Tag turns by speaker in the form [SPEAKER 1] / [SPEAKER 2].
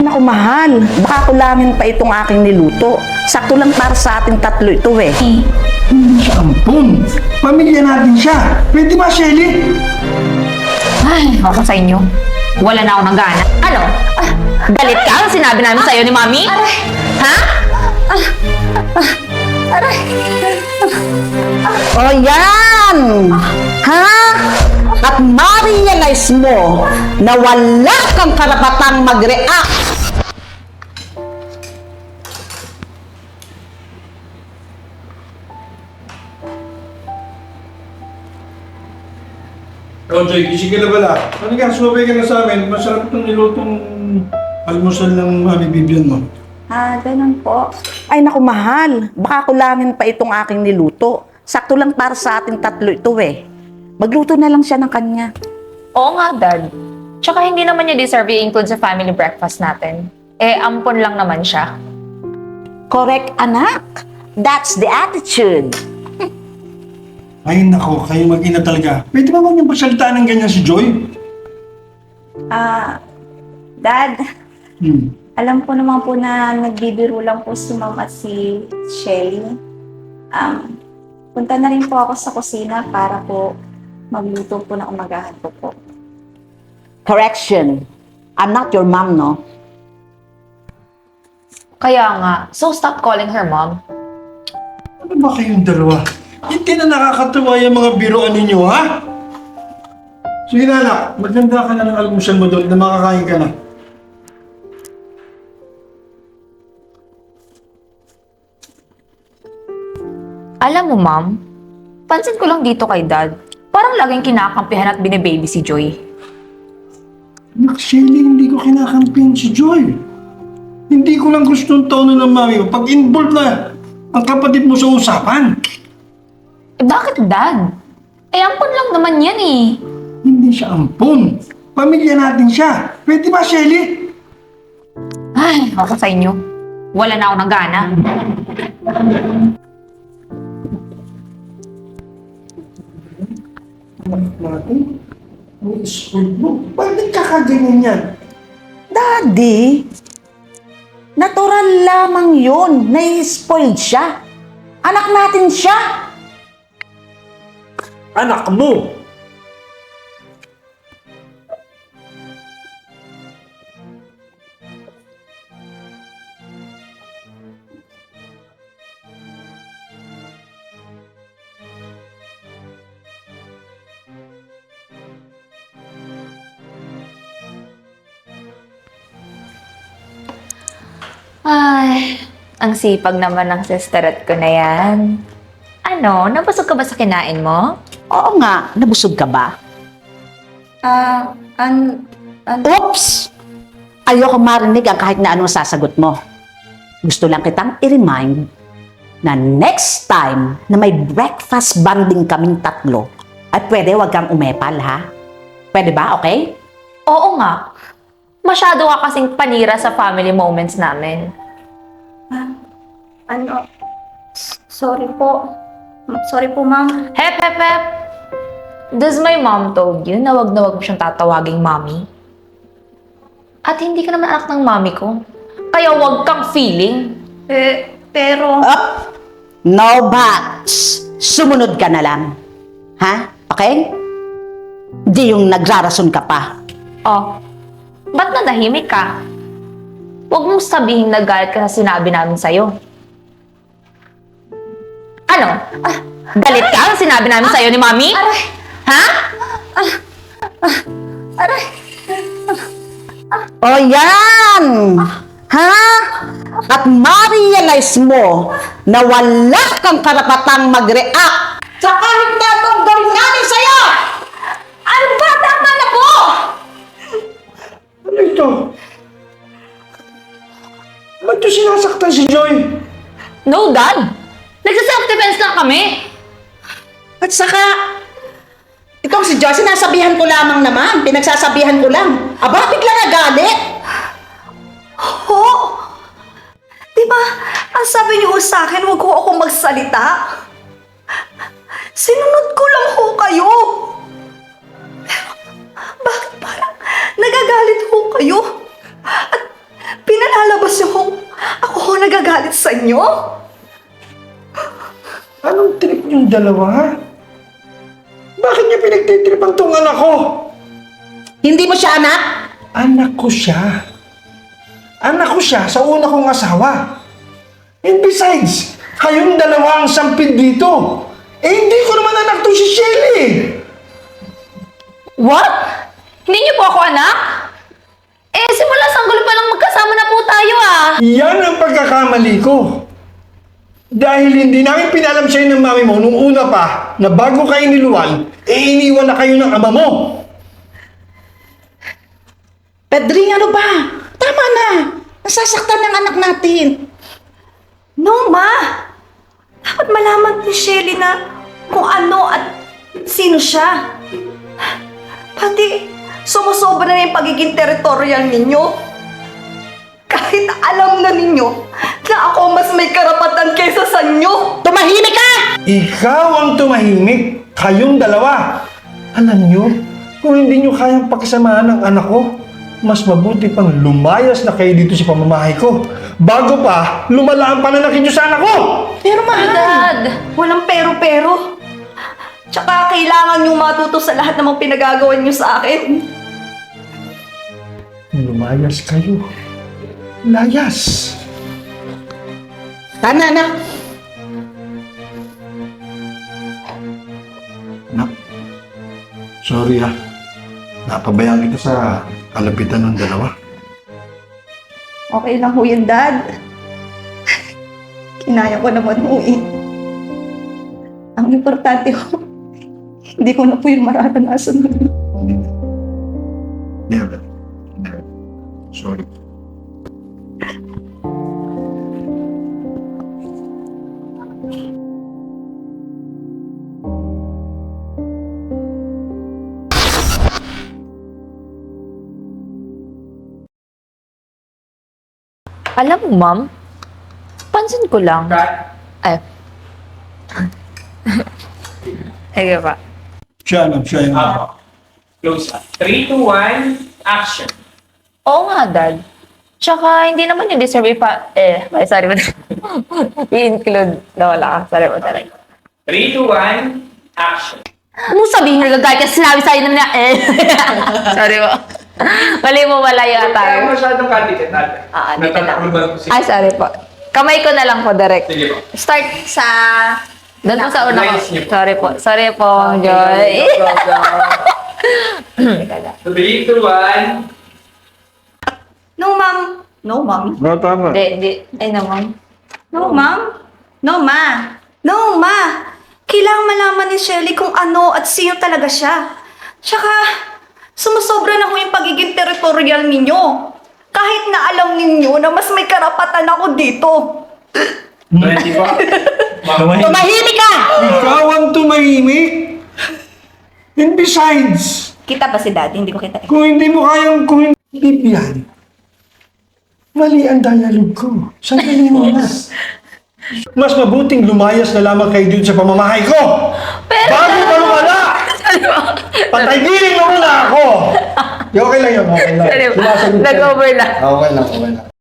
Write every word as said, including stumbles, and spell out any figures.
[SPEAKER 1] Naku, mahal. Baka kulangin pa itong aking niluto. Sakto lang para sa ating tatlo ito eh.
[SPEAKER 2] Ampun! Pamilya natin siya! Pwede ba, Shelly?
[SPEAKER 3] Ay, ako sa inyo. Wala na ako ng gana. Ano? Ah, galit ka? Ang sinabi namin sa'yo ni Mami?
[SPEAKER 4] Aray!
[SPEAKER 3] Ha?
[SPEAKER 4] Aray!
[SPEAKER 1] O yan! Ha? At ma-realize mo na wala kang karapatang mag-react.
[SPEAKER 2] Oh, Joy, gising ka na pala. Ano ka, sumabay ka na sa amin. Masarap itong nilutong almusal ng Mami Vivian mo.
[SPEAKER 4] Ah, ganun po.
[SPEAKER 1] Ay naku, mahal. Baka kulangin pa itong aking niluto. Sakto lang para sa ating tatlo ito eh. Magluto na lang siya ng kanya.
[SPEAKER 3] Oo nga, Dad. Tsaka hindi naman niya deserve i-include sa family breakfast natin. Eh, ampon lang naman siya.
[SPEAKER 1] Correct, anak. That's the attitude.
[SPEAKER 2] Ay, nako, kayo mag-ina talaga. Pwede ba huwag niyong pagsalitaan ng ganyan si Joy?
[SPEAKER 4] Ah, Dad,
[SPEAKER 2] Hmm.
[SPEAKER 4] alam ko naman po na nagbibiro lang po si Ma'am at si Shelly. Um, punta na rin po ako sa kusina para po magluto po ng umagahan po po.
[SPEAKER 1] Correction. I'm not your mom, no?
[SPEAKER 3] Kaya nga, so stop calling her Mom.
[SPEAKER 2] Ano ba kayong dalawa? Hindi na nakakatuwa yung mga biroan ninyo, ha? Sige na, anak. Maganda ka na ng almusal mo doon na makakain ka na.
[SPEAKER 3] Alam mo, Mom, pansin ko lang dito kay Dad. Parang laging kinakampihan at binibaby si Joy.
[SPEAKER 2] Anak, Shelly, hindi ko kinakampihan si Joy. Hindi ko lang gustong tono ng mami mo pag involved na ang kapatid mo sa usapan.
[SPEAKER 3] Eh bakit, Dad? Eh ampon lang naman yan eh.
[SPEAKER 2] Hindi siya ampun. Pamilya natin siya. Pwede ba, Shelly?
[SPEAKER 3] Ay, ako sa inyo. Wala na ako ng gana.
[SPEAKER 2] Natin? Ang spoiled mo. Bakit kakaganyan yan?
[SPEAKER 1] Daddy, natural lamang yun. Nai-spoiled siya. Anak natin siya.
[SPEAKER 2] Anak mo!
[SPEAKER 3] Ay, ang sipag naman ng sisterette ko na yan. Ano, nabusog ka ba sa kinain mo?
[SPEAKER 1] Oo nga, nabusog ka ba?
[SPEAKER 4] Ah, an... an...
[SPEAKER 1] Oops! Ayoko marinig ang kahit na anong sasagot mo. Gusto lang kitang i-remind na next time na may breakfast banding kaming tatlo, ay pwede wag kang umepal, ha? Pwede ba, okay?
[SPEAKER 3] Oo nga. Masyado ka kasing panira sa family moments namin.
[SPEAKER 4] Ano? S- Sorry po. M- Sorry po, Ma'am.
[SPEAKER 3] Hep, hep, hep! Does my mom told you na wag na wag mo siyang tatawaging mommy? At hindi ka naman anak ng mommy ko. Kaya wag kang feeling.
[SPEAKER 4] Eh, pero...
[SPEAKER 1] Up! No buts! Sumunod ka na lang. Ha? Okay? Di yung nagrarason ka pa.
[SPEAKER 3] Oh, ba't nadahimik ka? Huwag mong sabihin na galit ka sa sinabi namin sa'yo. Ano? Ah, galit ka sa sinabi namin sa'yo ni Mami?
[SPEAKER 4] Aray!
[SPEAKER 3] Ha?
[SPEAKER 4] Aray!
[SPEAKER 1] O yan! Ha? At ma-realize mo na wala kang karapatang mag-react sa kahit na itong gawin namin sa'yo!
[SPEAKER 4] Ano ba? Tama na po!
[SPEAKER 2] Ano ito? Ba't ito sinasaktan si Joy?
[SPEAKER 3] No, Dad! Nagsa-self-defense lang kami!
[SPEAKER 1] At saka, itong si Joy, sinasabihan ko lamang naman. Pinagsasabihan ko lang. Aba, bigla nagalit.
[SPEAKER 4] Ho? Diba, ang sabi niyo sa akin, huwag ko akong magsalita. Sinunod ko lang ho kayo. Pero, bakit parang nagagalit ho kayo? At
[SPEAKER 5] Pinalalabas niyo kung ako ho nagagalit sa inyo?
[SPEAKER 2] Anong trip yung dalawa, ha? Bakit niya pinagtitripan tong anak ko?
[SPEAKER 1] Hindi mo siya anak?
[SPEAKER 2] Anak ko siya. Anak ko siya sa una kong asawa. And besides, kayong dalawa ang sampid dito. Eh, hindi ko naman anak to si Shelly.
[SPEAKER 3] What? Hindi niyo po ako anak? Eh, simula sanggol pa lang magkasama na po tayo ah.
[SPEAKER 2] Yan ang pagkakamali ko. Dahil hindi namin pinalam sa'yo ng mami mo nung una pa na bago kayo niluwan, eh iniwan na kayo ng ama mo.
[SPEAKER 1] Pedring, ano ba? Tama na. Nasasaktan ng anak natin.
[SPEAKER 5] No, ma! Dapat malaman ni Shelly na kung ano at sino siya. Pati, sumusobra na yung pagiging territorial ninyo. Kahit alam na ninyo na ako mas may karapatan kaysa sa inyo.
[SPEAKER 1] Tumahimik ka!
[SPEAKER 2] Ikaw ang tumahimik. Kayong dalawa. Alam nyo, kung hindi nyo kayang pakisamahan ng anak ko, mas mabuti pang lumayas na kayo dito sa pamamahay ko. Bago pa, lumala ang pananakit nyo sa anak ko!
[SPEAKER 1] Pero mahal.
[SPEAKER 3] Dad!
[SPEAKER 5] Walang pero-pero. Tsaka kailangan nyo matuto sa lahat ng mga pinagagawa nyo sa akin.
[SPEAKER 2] Lumayas kayo. Layas.
[SPEAKER 1] Tama na.
[SPEAKER 2] Nak, sorry ah. Napabayaan kita sa kalapitan ng dalawa.
[SPEAKER 5] Okay lang ho yun, Dad. Kinaya ko naman ho eh. Ang importante ho, hindi ko na po yung mararanasan.
[SPEAKER 2] Never. Never. Sorry.
[SPEAKER 3] Alam mo, ma'am, pansin ko lang. Ay. Ay, pa.
[SPEAKER 2] Siya lang, siya yung...
[SPEAKER 6] Up. Close up. three, two, one, action.
[SPEAKER 3] Oo nga, Dad. Tsaka, hindi naman yung deserve ipa... Eh, ay, sorry mo. I-include na wala ka. Sorry mo talaga.
[SPEAKER 6] three, two, one, action.
[SPEAKER 3] Ano sabihin nagagay ka sinabi sa'yo na na eh. Sorry mo. Mali mo wala yung
[SPEAKER 6] Kaya
[SPEAKER 3] atay.
[SPEAKER 6] masyadong katikat natin.
[SPEAKER 3] Ah, dito na.
[SPEAKER 6] Natatakuluban ko si...
[SPEAKER 3] Ay, sorry po. Kamay ko na lang po, direct.
[SPEAKER 6] Sige po.
[SPEAKER 3] Start sa... Doon po sa una ko.
[SPEAKER 6] Lines niyo po.
[SPEAKER 3] Sorry po. Sorry po, Joy.
[SPEAKER 6] three, two, one.
[SPEAKER 5] No, ma'am. No, ma'am.
[SPEAKER 2] No, tama.
[SPEAKER 3] Hindi, hindi. Ay naman.
[SPEAKER 5] No, ma'am. No, ma. No, ma. Kailangan malaman ni Shelly kung ano at sino talaga siya. Tsaka, sumusobra na ho yung pagiging territorial ninyo. Kahit na alam ninyo na mas may karapatan ako dito.
[SPEAKER 6] twenty po.
[SPEAKER 1] Tumahimik ka!
[SPEAKER 2] Ikaw ang tumahimik. And besides,
[SPEAKER 5] Kita ba si Daddy? Hindi ko kita.
[SPEAKER 2] kung hindi mo kayang kung hindi yan, mali ang dialogue ko. Sandali mo na. Mas mabuting lumayas na lamang kayo dun sa pamamahay ko.
[SPEAKER 3] Pero...
[SPEAKER 2] Bago pa lumala! Patay-giling mo muna ako! Okay lang yun, okay lang.
[SPEAKER 3] Sorry po.
[SPEAKER 2] Sumasagot ka.
[SPEAKER 3] Nag-over lang.
[SPEAKER 2] Okay lang, okay lang.